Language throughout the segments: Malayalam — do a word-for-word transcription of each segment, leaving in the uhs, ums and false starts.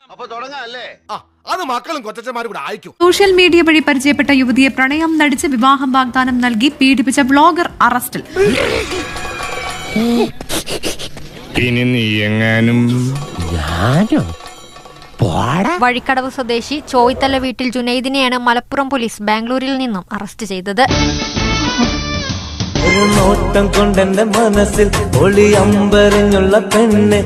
അത് മക്കളും കൊച്ചന്മാരും കൂടെ അയക്കും. സോഷ്യൽ മീഡിയ വഴി പരിചയപ്പെട്ട യുവതിയെ പ്രണയം നടിച്ച് വിവാഹം വാഗ്ദാനം നൽകി പീഡിപ്പിച്ച ബ്ലോഗർ അറസ്റ്റിൽ. ഇനി നീ എങ്ങാനും വഴിക്കടവ് സ്വദേശി ചോയ്ത്തല വീട്ടിൽ ജുനൈദിനെയാണ് മലപ്പുറം പോലീസ് ബാംഗ്ലൂരിൽ നിന്നും അറസ്റ്റ് ചെയ്തത്. ഒരു നോട്ടം കൊണ്ടെന്റെ മനസ്സിൽ ഒളി അമ്പരഞ്ഞുള്ള പെണ്ണ്.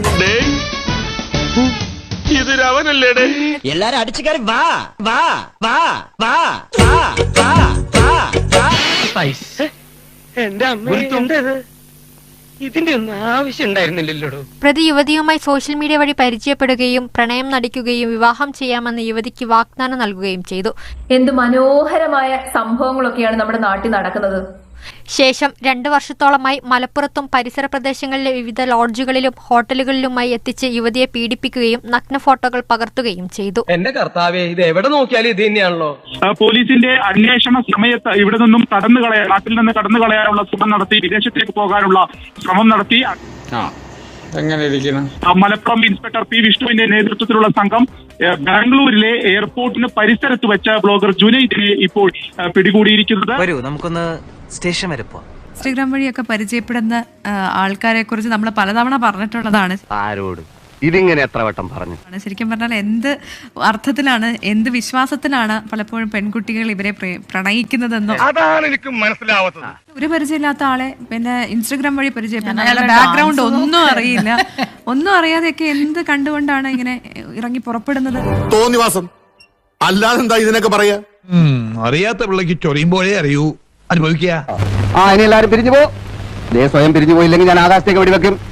ഇതൊരവനല്ലേടേ? എല്ലാരും അടിച്ചു കയറി വാ വാ വാ വാ വാ വാ വാ. എന്റെ അമ്മ, ഇതിന്റെ ഒന്നും ആവശ്യം ഉണ്ടായിരുന്നില്ലല്ലോ. പ്രതി യുവതിയുമായി സോഷ്യൽ മീഡിയ വഴി പരിചയപ്പെടുകയും പ്രണയം നടിക്കുകയും വിവാഹം ചെയ്യാമെന്ന് യുവതിക്ക് വാഗ്ദാനം നൽകുകയും ചെയ്തു. എന്ത് മനോഹരമായ സംഭവങ്ങളൊക്കെയാണ് നമ്മുടെ നാട്ടിൽ നടക്കുന്നത്. ശേഷം രണ്ടു വർഷത്തോളമായി മലപ്പുറത്തും പരിസര പ്രദേശങ്ങളിലെ വിവിധ ലോഡ്ജുകളിലും ഹോട്ടലുകളിലുമായി എത്തിച്ച് യുവതിയെ പീഡിപ്പിക്കുകയും നഗ്ന ഫോട്ടോകൾ പകർത്തുകയും ചെയ്തു. എന്റെ കർത്താവേ, ഇത് എവിടെ നോക്കിയാലും ഇത് തന്നെയാണല്ലോ. പോലീസിന്റെ അന്വേഷണ സമയത്ത് ഇവിടെ നിന്നും കടന്നു കളയാൻ നാട്ടിൽ നിന്ന് കടന്നു കളയാനുള്ള ശ്രമം നടത്തി, വിദേശത്തേക്ക് പോകാനുള്ള ശ്രമം നടത്തി. മലപ്പുറം ഇൻസ്പെക്ടർ പി വിഷ്ണുവിന്റെ നേതൃത്വത്തിലുള്ള സംഘം ബാംഗ്ലൂരിലെ എയർപോർട്ടിന് പരിസരത്ത് വെച്ച ബ്ലോഗർ ജുനൈദിനെ ഇപ്പോൾ പിടികൂടിയിരിക്കുന്നത്. നമുക്കൊന്ന് സ്റ്റേഷൻ വരെ പോവാം. ഇൻസ്റ്റഗ്രാം വഴിയൊക്കെ പരിചയപ്പെടുന്ന ആൾക്കാരെ കുറിച്ച് നമ്മൾ പലതവണ പറഞ്ഞിട്ടുള്ളതാണ്. ആരോട് ഇതിങ്ങനെ എത്ര വട്ടം പറഞ്ഞു? ശരിക്കും പറഞ്ഞാൽ എന്ത് അർത്ഥത്തിലാണ്, എന്ത് വിശ്വാസത്തിലാണ് പലപ്പോഴും പെൺകുട്ടികൾ ഇവരെ പ്രണയിക്കുന്നതെന്നോ അതാണ് എനിക്ക് മനസ്സിലാവാത്തത്. ഒരു പരിചയമില്ലാത്ത ആളെ പിന്നെ ഇൻസ്റ്റഗ്രാം വഴി പരിചയപ്പെടുന്ന അയാളുടെ ബാക്ക്ഗ്രൗണ്ട് ഒന്നും അറിയില്ല, ഒന്നും അറിയാതെയൊക്കെ എന്ത് കണ്ടുകൊണ്ടാണ് ഇങ്ങനെ ഇറങ്ങി പുറപ്പെടുന്നത്? തോന്നിവാസം അല്ലാതെന്താ ഇതിനൊക്കെ പറയാ? അറിയാത്ത പിള്ളക്ക് ചൊറിയുമ്പോഴേ അറിയൂ, അനുഭവിക്കുക. ആ ഇനി എല്ലാരും പിരിഞ്ഞു പോ. സ്വയം പിരിഞ്ഞു പോയില്ലെങ്കിൽ ഞാൻ ആകാശത്തേക്ക് വെടിവെക്കും.